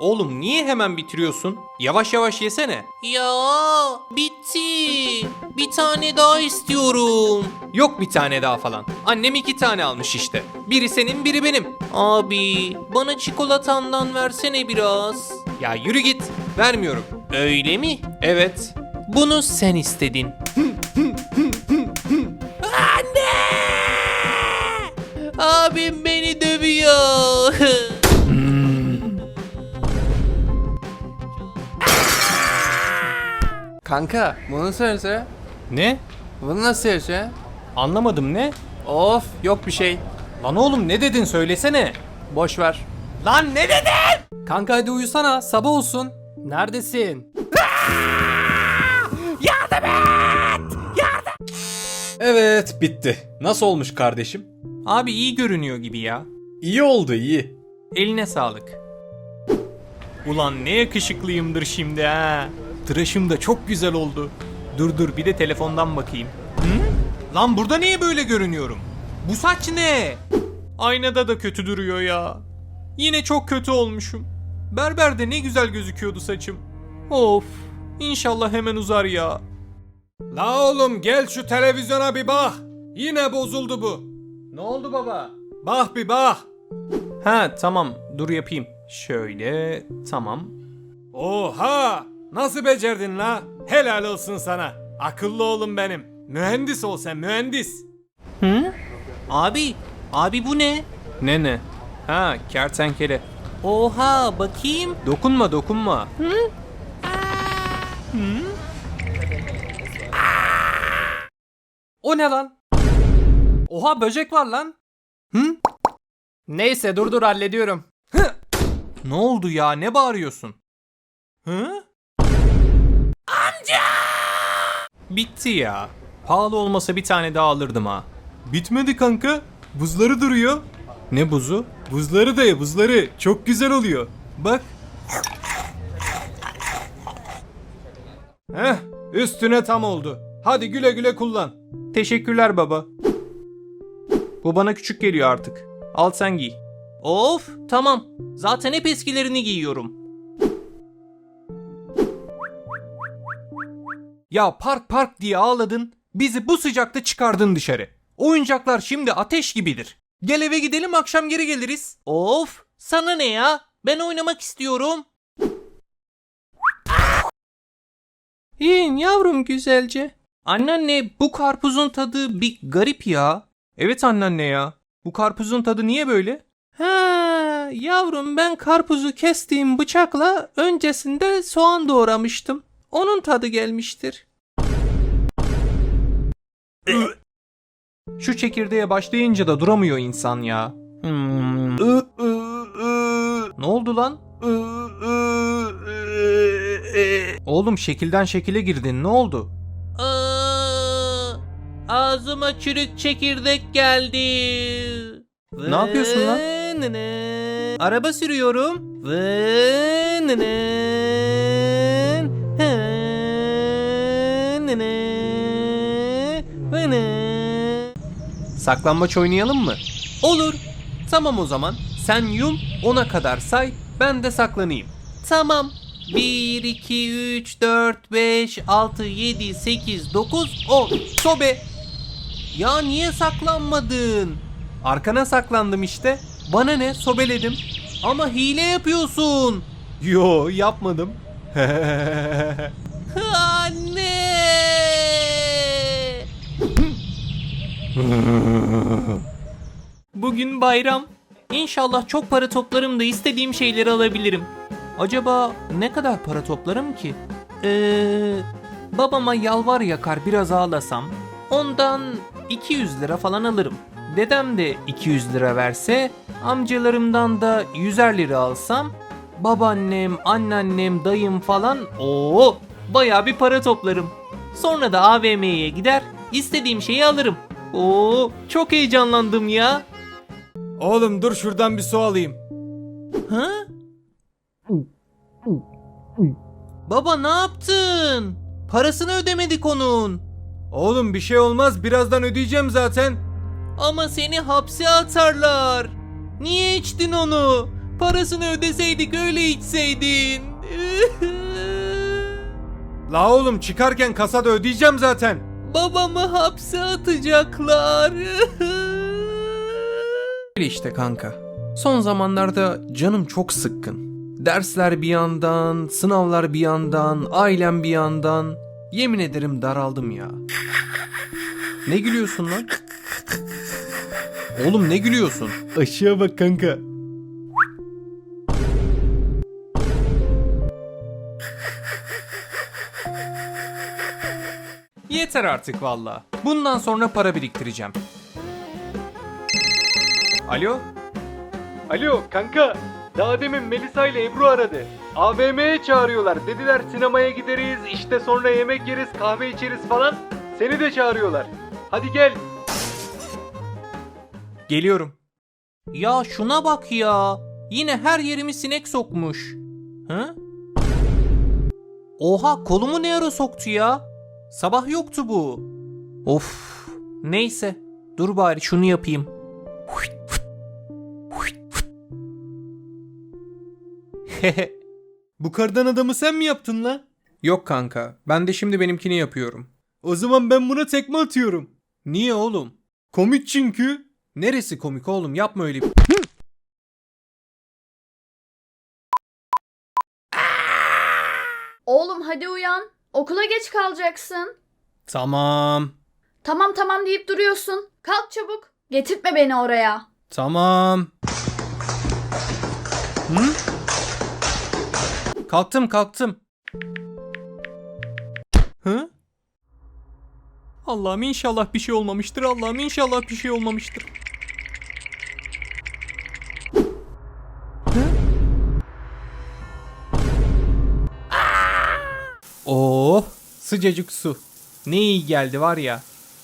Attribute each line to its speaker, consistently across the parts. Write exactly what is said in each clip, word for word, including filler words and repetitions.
Speaker 1: Oğlum niye hemen bitiriyorsun? Yavaş yavaş yesene.
Speaker 2: Ya bitti. Bir tane daha istiyorum.
Speaker 1: Yok bir tane daha falan. Annem iki tane almış işte. Biri senin biri benim.
Speaker 2: Abi bana çikolatandan versene biraz.
Speaker 1: Ya yürü git. Vermiyorum.
Speaker 2: Öyle mi?
Speaker 1: Evet.
Speaker 2: Bunu sen istedin. Anne! Abim beni dövüyor.
Speaker 3: Kanka bunu söylese.
Speaker 1: Ne?
Speaker 3: Bunu nasıl söylese?
Speaker 1: Anlamadım ne?
Speaker 3: Of yok bir şey.
Speaker 1: Lan oğlum ne dedin söylesene.
Speaker 3: Boş ver.
Speaker 1: Lan ne dedin?
Speaker 3: Kanka hadi uyusana sabah olsun. Neredesin?
Speaker 4: Evet, bitti. Nasıl olmuş kardeşim?
Speaker 1: Abi iyi görünüyor gibi ya.
Speaker 4: İyi oldu, iyi.
Speaker 1: Eline sağlık. Ulan ne yakışıklıyımdır şimdi ha. Tıraşım da çok güzel oldu. Dur dur bir de telefondan bakayım. Hı? Lan burada niye böyle görünüyorum? Bu saç ne? Aynada da kötü duruyor ya. Yine çok kötü olmuşum. Berberde ne güzel gözüküyordu saçım. Of. İnşallah hemen uzar ya.
Speaker 4: La oğlum gel şu televizyona bir bak. Yine bozuldu bu.
Speaker 1: Ne oldu baba?
Speaker 4: Bak bir bak.
Speaker 1: Ha tamam dur yapayım. Şöyle tamam.
Speaker 4: Oha! Nasıl becerdin la? Helal olsun sana. Akıllı oğlum benim. Mühendis ol sen, mühendis.
Speaker 1: Hı?
Speaker 2: Abi, abi bu ne?
Speaker 1: Ne ne? Ha kertenkele.
Speaker 2: Oha bakayım.
Speaker 1: Dokunma dokunma.
Speaker 3: O ne lan? Oha böcek var lan. Hı? Neyse dur dur hallediyorum.
Speaker 1: Ne oldu ya ne bağırıyorsun? Hı? Amca! Bitti ya. Pahalı olmasa bir tane daha alırdım ha.
Speaker 4: Bitmedi kanka. Buzları duruyor.
Speaker 1: Ne buzu?
Speaker 4: Buzları da ye, buzları. Çok güzel oluyor. Bak. Heh, üstüne tam oldu. Hadi güle güle kullan.
Speaker 1: Teşekkürler baba. Bu bana küçük geliyor artık. Al sen giy.
Speaker 2: Of tamam. Zaten hep eskilerini giyiyorum.
Speaker 1: Ya park park diye ağladın. Bizi bu sıcakta çıkardın dışarı. Oyuncaklar şimdi ateş gibidir. Gel eve gidelim akşam geri geliriz.
Speaker 2: Of sana ne ya? Ben oynamak istiyorum.
Speaker 1: İyin yavrum güzelce. Anneanne bu karpuzun tadı bir garip ya. Evet anneanne ya. Bu karpuzun tadı niye böyle? Ha yavrum ben karpuzu kestiğim bıçakla öncesinde soğan doğramıştım. Onun tadı gelmiştir. Şu çekirdeğe başlayınca da duramıyor insan ya. Hmm. Ne oldu lan? Oğlum şekilden şekile girdin ne oldu?
Speaker 2: Aa, ağzıma çürük çekirdek geldi.
Speaker 1: Ne yapıyorsun lan?
Speaker 2: Vınının. Araba sürüyorum. Vınının. Hınının. Vının.
Speaker 1: Saklambaç oynayalım mı?
Speaker 2: Olur.
Speaker 1: Tamam o zaman. Sen yum ona kadar say ben de saklanayım.
Speaker 2: Tamam. bir, iki, üç, dört, beş, altı, yedi, sekiz, dokuz, on.
Speaker 1: Sobe
Speaker 2: Ya niye saklanmadın?
Speaker 1: arkana saklandım işte. Bana ne sobeledim.
Speaker 2: Ama hile yapıyorsun.
Speaker 1: Yo yapmadım.
Speaker 2: Anne! Bugün bayram. İnşallah çok para toplarım da istediğim şeyleri alabilirim. Acaba ne kadar para toplarım ki? Ee, babama yalvar yakar biraz ağlasam ondan iki yüz lira falan alırım. Dedem de iki yüz lira verse amcalarımdan da yüzer lira alsam babaannem, anneannem, dayım falan o bayağı bir para toplarım. Sonra da A V M'ye gider istediğim şeyi alırım. Oo çok heyecanlandım ya.
Speaker 4: Oğlum dur şuradan bir su alayım.
Speaker 2: Ha? Baba ne yaptın? Parasını ödemedik onun.
Speaker 4: Oğlum bir şey olmaz, birazdan ödeyeceğim zaten.
Speaker 2: Ama seni hapse atarlar. Niye içtin onu? Parasını ödeseydik öyle içseydin.
Speaker 4: La oğlum çıkarken kasada ödeyeceğim zaten.
Speaker 2: Babamı hapse atacaklar.
Speaker 3: Öyle işte kanka. Son zamanlarda canım çok sıkkın. Dersler bir yandan, sınavlar bir yandan, ailem bir yandan. Yemin ederim daraldım ya. Ne gülüyorsun lan? Oğlum ne gülüyorsun?
Speaker 1: Aşağı bak kanka.
Speaker 3: Yeter artık valla. Bundan sonra para biriktireceğim. Alo?
Speaker 4: Alo kanka. Daha demin Melisa ile Ebru aradı. A V M'ye çağırıyorlar. Dediler sinemaya gideriz, işte sonra yemek yeriz, kahve içeriz falan. Seni de çağırıyorlar. Hadi gel.
Speaker 3: Geliyorum.
Speaker 2: Ya şuna bak ya. Yine her yerimi sinek sokmuş. Hı? Oha, kolumu ne ara soktu ya? Sabah yoktu bu. Of. Neyse. Dur bari şunu yapayım.
Speaker 1: Bu kardan adamı sen mi yaptın la?
Speaker 3: Yok kanka. Ben de şimdi benimkini yapıyorum.
Speaker 1: O zaman ben buna tekme atıyorum.
Speaker 3: Niye oğlum?
Speaker 1: Komik çünkü.
Speaker 3: Neresi komik oğlum? Yapma öyle bir...
Speaker 5: Oğlum hadi uyan. Okula geç kalacaksın.
Speaker 3: Tamam.
Speaker 5: Tamam tamam deyip duruyorsun. Kalk çabuk. Getirtme beni oraya.
Speaker 3: Tamam. Hı? Kalktım kalktım.
Speaker 2: Hı? Allah'ım inşallah bir şey olmamıştır. Allah'ım inşallah bir şey olmamıştır.
Speaker 3: Oh, sıcacık su. Ne iyi geldi var ya.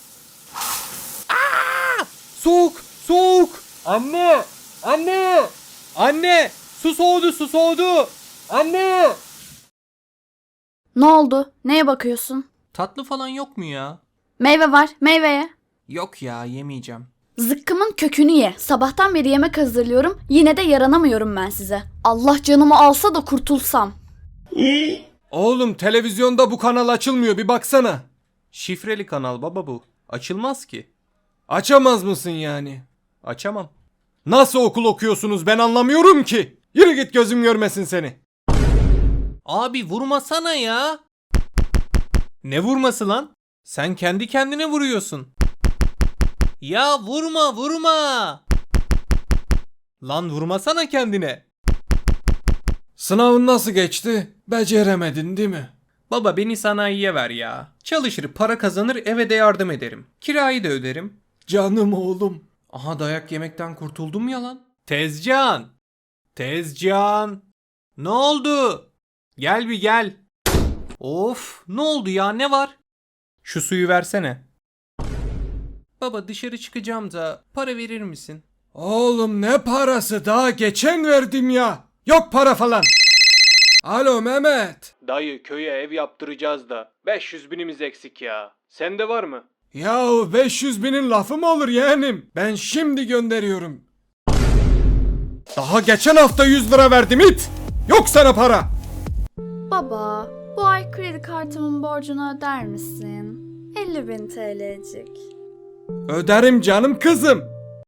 Speaker 3: Aa! Soğuk, soğuk.
Speaker 4: Anne! Anne!
Speaker 3: Anne, su soğudu, su soğudu.
Speaker 4: Anne!
Speaker 5: Ne oldu? Neye bakıyorsun?
Speaker 2: Tatlı falan yok mu ya?
Speaker 5: Meyve var. Meyveye.
Speaker 2: Yok ya, yemeyeceğim.
Speaker 5: Zıkkımın kökünü ye. Sabahtan beri yemek hazırlıyorum. Yine de yaranamıyorum ben size. Allah canımı alsa da kurtulsam.
Speaker 4: Oğlum televizyonda bu kanal açılmıyor, bir baksana.
Speaker 3: Şifreli kanal baba bu. Açılmaz ki.
Speaker 4: Açamaz mısın yani?
Speaker 3: Açamam.
Speaker 4: Nasıl okul okuyorsunuz ben anlamıyorum ki. Yürü git, gözüm görmesin seni.
Speaker 2: Abi vurmasana ya.
Speaker 3: Ne vurması lan? Sen kendi kendine vuruyorsun.
Speaker 2: Ya vurma vurma.
Speaker 3: Lan vurmasana kendine.
Speaker 4: Sınavın nasıl geçti? Beceremedin değil mi?
Speaker 3: Baba beni sanayiye ver ya. Çalışır, para kazanır, eve de yardım ederim. Kirayı da öderim.
Speaker 4: Canım oğlum.
Speaker 3: Aha dayak yemekten kurtuldum ya lan.
Speaker 1: Tezcan. Tezcan. Ne oldu? Gel bir gel.
Speaker 2: Of, ne oldu ya, ne var?
Speaker 3: Şu suyu versene. Baba dışarı çıkacağım da para verir misin?
Speaker 4: Oğlum ne parası, daha geçen verdim ya. Yok para falan. Alo Mehmet.
Speaker 1: Dayı köye ev yaptıracağız da beş yüz binimiz eksik ya. Sende var mı?
Speaker 4: Yahu beş yüz binin lafı mı olur yeğenim? Ben şimdi gönderiyorum. Daha geçen hafta yüz lira verdim it. Yok sana para.
Speaker 5: Baba, bu ay kredi kartımın borcunu öder misin? elli bin T L'cik.
Speaker 4: Öderim canım kızım.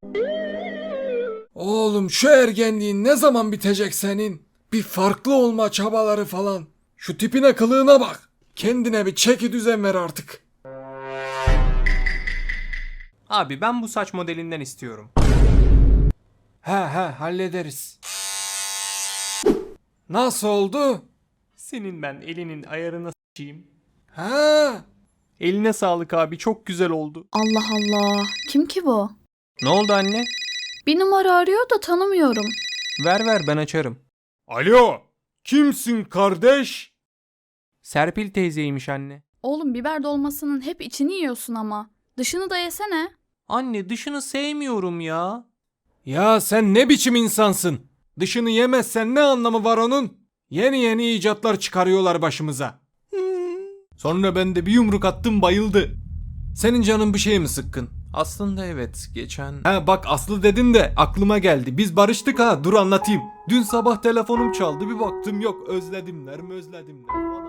Speaker 4: Oğlum şu ergenliğin ne zaman bitecek senin? Bir farklı olma çabaları falan. Şu tipine kılığına bak. Kendine bir çeki düzen ver artık.
Speaker 3: Abi ben bu saç modelinden istiyorum.
Speaker 4: He he hallederiz. Nasıl oldu?
Speaker 1: Senin ben elinin ayarına s**eyim.
Speaker 4: He.
Speaker 1: Eline sağlık abi, çok güzel oldu.
Speaker 5: Allah Allah. Kim ki bu?
Speaker 3: Ne oldu anne?
Speaker 5: Bir numara arıyor da tanımıyorum.
Speaker 3: Ver ver ben açarım.
Speaker 4: Alo. Kimsin kardeş?
Speaker 3: Serpil teyzeymiş anne.
Speaker 5: Oğlum biber dolmasının hep içini yiyorsun ama. Dışını da yesene.
Speaker 2: Anne dışını sevmiyorum ya.
Speaker 4: Ya sen ne biçim insansın? Dışını yemezsen ne anlamı var onun? Yeni yeni icatlar çıkarıyorlar başımıza.
Speaker 1: Sonra ben de bir yumruk attım, bayıldı.
Speaker 4: Senin canın bir şey mi sıkkın?
Speaker 3: Aslında evet, geçen...
Speaker 1: Ha bak Aslı dedin de aklıma geldi. Biz barıştık ha, dur anlatayım. Dün sabah telefonum çaldı, bir baktım yok, özledimler mi özledimler falan.